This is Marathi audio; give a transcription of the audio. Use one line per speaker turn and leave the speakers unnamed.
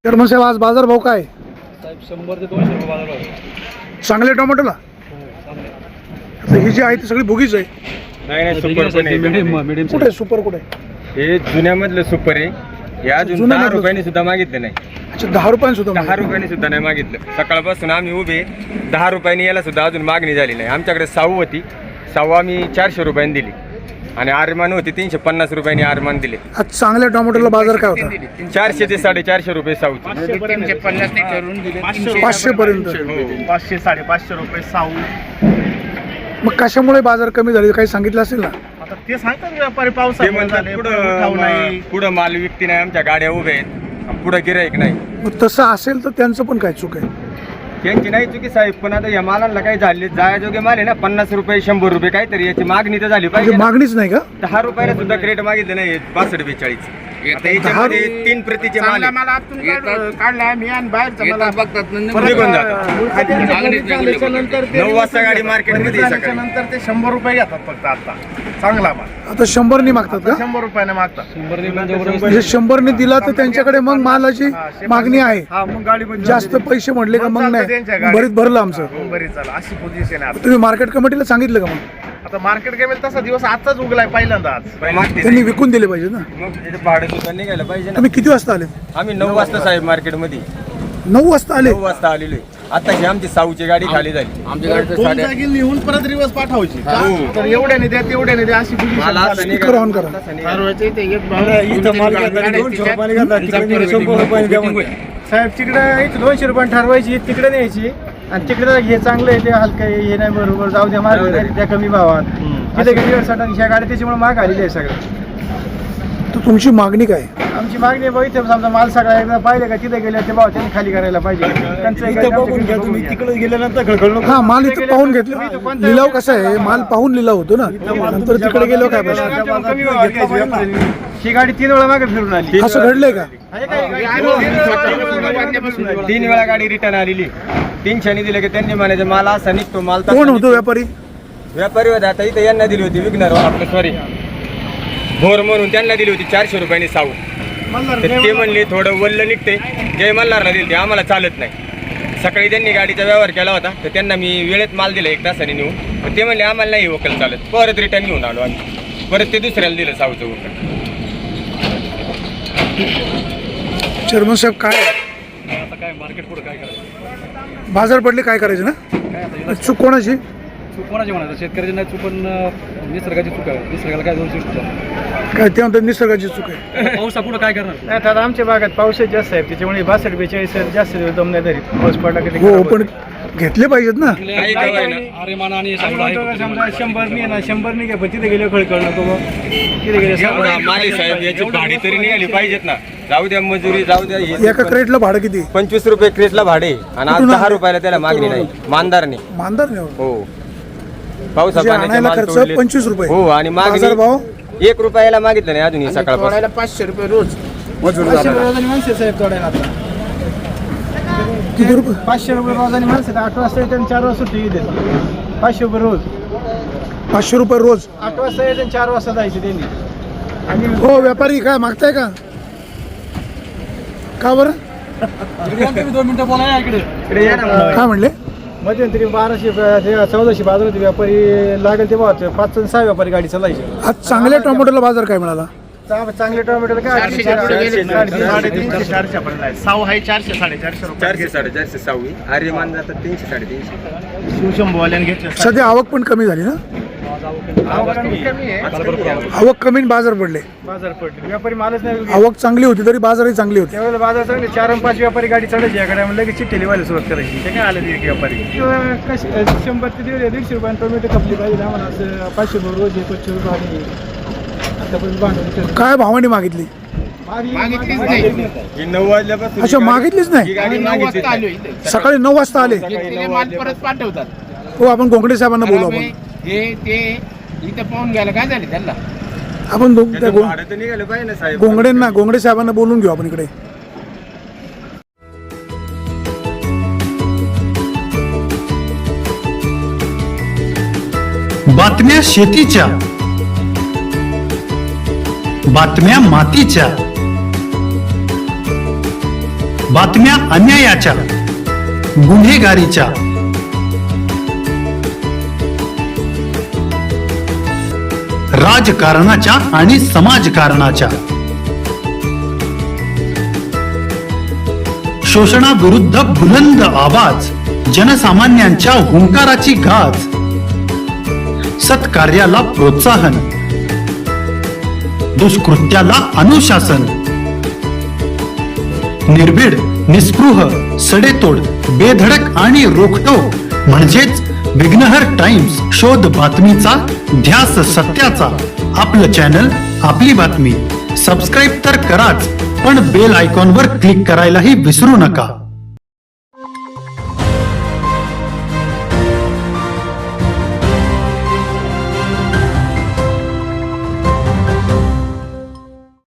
चेअरमन साहेब, आज बाजार भाव काय?
साहेब 100 ते 200 रुपये बाजार भाव.
चांगले टोमॅटोला? आता ही जी आहे ती सगळी भुगीच आहे.
नाही सुपर पण आहे.
मीडियम
कुठे आहे सुपर? कुठे आहे?
हे जुन्यामधलं सुपर आहे. हे अजून
जुन्या
10
मधलं?
रुपयांनी सुद्धा मागितलं नाही.
अच्छा, 10 रुपयांनी सुद्धा
10 रुपयांनी सुद्धा नाही मागितलं. सकाळपासून आम्ही उभे 10 रुपयांनी याला सुद्धा अजून मागणी झाली नाही. आमच्याकडे साऊ होती, साऊ आम्ही 400 रुपयांनी दिली आणि आरमान होती 350 रुपयांनी आरमान दिले.
आज चांगल्या टोमॅटोला बाजार काय होता?
400 ते 450 रुपये साऊची.
500 पर्यंत.
500 550 रुपये साऊ.
मग कशामुळे बाजार कमी झाले काही सांगितलं असेल ना?
आता ते सांगतात व्यापारी
ते
पावसामुळे
म्हणतात
झाले, उठाव नाही.
पुढं माल विकती नाही, आमच्या गाड्या उभ्या आहेत, पुढं गिराईक नाही.
मग तसं असेल तर त्यांचं पण काय चूक आहे?
त्यांची नाही चुकी साहेब, पण आता या मालाला काय झाले जायाजोगे माल आहे ना, 50 रुपये 100 रुपये काहीतरी याची मागणी तर झाली
म्हणजे
पाहिजे ना.
मागणीच नाही का?
10 रुपयाला सुद्धा क्रेट मागितलं नाही. 62-42. आता याच्यामध्ये 3 प्रतीचे माल आहे.
मला आतून काढलाय मी आणि बाहेरचं मला
निघून जातात. 9 वाजता गाडी मार्केटमध्ये आहे सकाळी.
नंतर ते 100 रुपये घेतात फक्त. आता चांगला माल
आता 100 मागतात का?
100 रुपयाने मागतात.
100
म्हणजे 100 दिला तर त्यांच्याकडे मग मालाची मागणी आहे.
हा मग गाडी बंद
जास्त पैसे म्हटले का मग नाही?
त्यांच्या गाडीत.
बरीच भरलं आमचं.
बरी चाल अशी पोझिशन आहे
तुम्ही मार्केट कमिटीला सांगितलं का? मग
आता मार्केट गेमेल तसा दिवस आजचाच उगलाय पहिल्यांदा आज.
मागते
त्यांनी विकून दिले पाहिजे ना.
मग याचं भाडं सुद्धा निघायला पाहिजे ना.
तुम्ही किती वाजता आले?
आम्ही 9 वाजता साहेब मार्केटमध्ये
9 वाजता आले.
9 वाजता आलेलो आहे. आता ही आमची साऊची गाडी खाली झाली.
दोन जागी लिहून परत रिवर्स पाठवायची.
हो.
तर एवढ्याने द्या तेवढ्याने द्या अशी position
मला असं
झाली.
नाही
स्पीकर ऑन करा.
साहेब तिकडे 200 रुपये ठरवायची, तिकडे न्यायची आणि तिकडे हे चांगलं आहे, ते हलकं आहे, हे नाही बरोबर, जाऊ द्या मार्ग त्या कमी भावात. तिथे गेली ह्या गाडी त्याच्यामुळे महाग आलेली आहे सगळं.
तर तुमची मागणी काय?
आमची मागणी आहे, इथे समजा माल सगळा एकदा पाहिले का तिथे गेले ते भाव त्यांनी खाली करायला पाहिजे.
तिकडे गेल्यानंतर
हा, माल इथं पाहून घेतलं. लिलाव कसा आहे? माल पाहून लिलाव होतो ना, नंतर तिकडे गेलो काय प्रश्न?
कमी भावात घेतली व्यापाऱ्यांनी. ही गाडी 3 वेळा मागे फिरून आली.
असं घडलंय का?
3 वेळा गाडी रिटर्न आलेली. 300 दिले की त्यांनी म्हणायचं माल असा निघतो, माल तसा
कोण होतो
निघतो.
व्यापारी?
व्यापारी होता. आता इथं यांना दिली होती विकणार आपलं सॉरी भोर म्हणून त्यांना दिली होती 400 रुपयांनी साऊ. तर ते म्हणले थोडं वल्ल निघते, जय मल्हारला दिली ते आम्हाला चालत नाही. सकाळी त्यांनी गाडीचा व्यवहार केला होता, तर त्यांना मी वेळेत माल दिला 1 तासाने नेऊन. पण ते म्हणले आम्हाला नाही वकल चालत. परत रिटर्न घेऊन आलो आम्ही. परत ते दुसऱ्याला दिलं साऊचं वकल.
चेअरमन साहेब, काय
आता काय मार्केट पुढे काय करायचं?
बाजार पडले काय करायचं ना?
काय आता
चूक कोणाची?
चूक कोणाची म्हणायचं? शेतकऱ्याची नाही चूक, पण निसर्गाची चूक आहे. निसर्गाला काय दोष देऊ?
काय ते म्हणतात निसर्गाची चूक आहे.
पाऊस पुढे काय करणार?
नाही तर आमच्या भागात पाऊसच जास्त आहे, त्याच्यामुळे 62-42 जास्त दम नाही धरीत. पाऊस पडला की
हो, पण घेतले पाहिजेत ना.
काही काय ना.
आर्यमान आणि
समजा 100 नाही ना, 100 नाही घ्या, पण तिथे गेले खळखळ नको मग. तिथे गेले
माली साहेब याची भाडी तरी निघाली पाहिजेत ना. जाऊ द्या मजुरी, जाऊ द्या हे.
एका क्रेटला भाडं किती?
25 रुपये क्रेटला भाडे आणि आज
कुठून
10
आले?
रुपयाला त्याला मागणी नाही. मानदारने
मानदार नाही.
हो पावसा
म्हणजे
पाण्याचे
आणायला
माल
खर्च
तोडले.
25 रुपये.
हो आणि
बाजार भाव
मागणी 1 रुपयाला मागितलं नाही अजून सकाळपासून.
500 रुपये रोज.
500 रोजानी माणसं साहेब तोडायला आता.
किती रुपये?
500 रुपये रोजानी माणसं 8 वाजता येते आणि 4 वाजता सुट्टी देते. 500 रुपये रोज.
500 रुपये रोज.
8 वाजता येते आणि 4 वाजता जायचे त्यांनी. आणि
हो, व्यापारी काय मागताय का? का बरं?
2 मिनिटं बोला इकडे.
इकडे या ना.
काय म्हणले?
मध्यंतरी 1200-1400 बाजार होते. व्यापारी लागेल ते 5 आणि 6 व्यापारी गाडी चालायची.
आज चांगल्या टोमॅटोला बाजार काय मिळाला?
चांगले टोमॅटोला काय
400 पर्यंत आहे. साऊ आहे 400-450 रुपये.
400-450 सावी. आर्यमान जातात 300-350.
शिवशंभूवाल्याने घेतलं.
सध्या आवक पण कमी झाली ना?
कमी आहे.
आवक कमी आणि बाजार पडले.
बाजार पडले. व्यापारी मालच नाही.
आवक चांगली होती तरी बाजारही चांगली होती.
त्यावेळेला बाजार चांगले 4 आणि 5 व्यापारी गाडी चढायची या गाड्या म्हणलं की चिठ्ठी लिवायला सुरुवात करायची.
ते काय आलं एक व्यापारी.
100 ते 150 रुपये टोमॅटो खपली पाहिजे आम्हाला. असं 500 रुपये रोज 25 रुपये आणि आतापर्यंत भांडवल
काय भावाने मागितली?
मागितलीच नाही.
ही 9 वाजल्यापासून
अच्छा, मागितलीच
ही
नाही.
गाडी
9
मागितलीच
वाजता आलो
नाही.
इथे.
सकाळी 9 वाजता आले.
घेतलेले माल परत पाठवतात.
हो, आपण गोंगडे साहेबांना बोलू. आपण
हे ते इथं पाहून घ्यायला काय झाले त्यांना.
आपण
त्याचं भाडं तर निघालं पाहिजे ना साहेब.
गोंगडे साहेबांना बोलून घेऊ आपण इकडे.
बातम्या शेतीच्या, बातम्या मातीच्या, बातम्या अन्यायाच्या, गुन्हेगारीच्या, राजकारणाच्या आणि समाजकारणाच्या, शोषणाविरुद्ध बुलंद आवाज, जनसामान्यांच्या हुंकाराची गाज, सत्कार्याला प्रोत्साहन, दुष्कृत्याला अनुशासन, निर्भीड, निस्पृह, सडेतोड, बेधडक आणि रोखटोक म्हणजेच विघ्नहर टाइम्स. शोध बातमीचा, ध्यास सत्याचा. आपलं चॅनल, आपली बातमी. सबस्क्राईब तर कराच, पण बेल आयकॉनवर क्लिक करायलाही विसरू नका.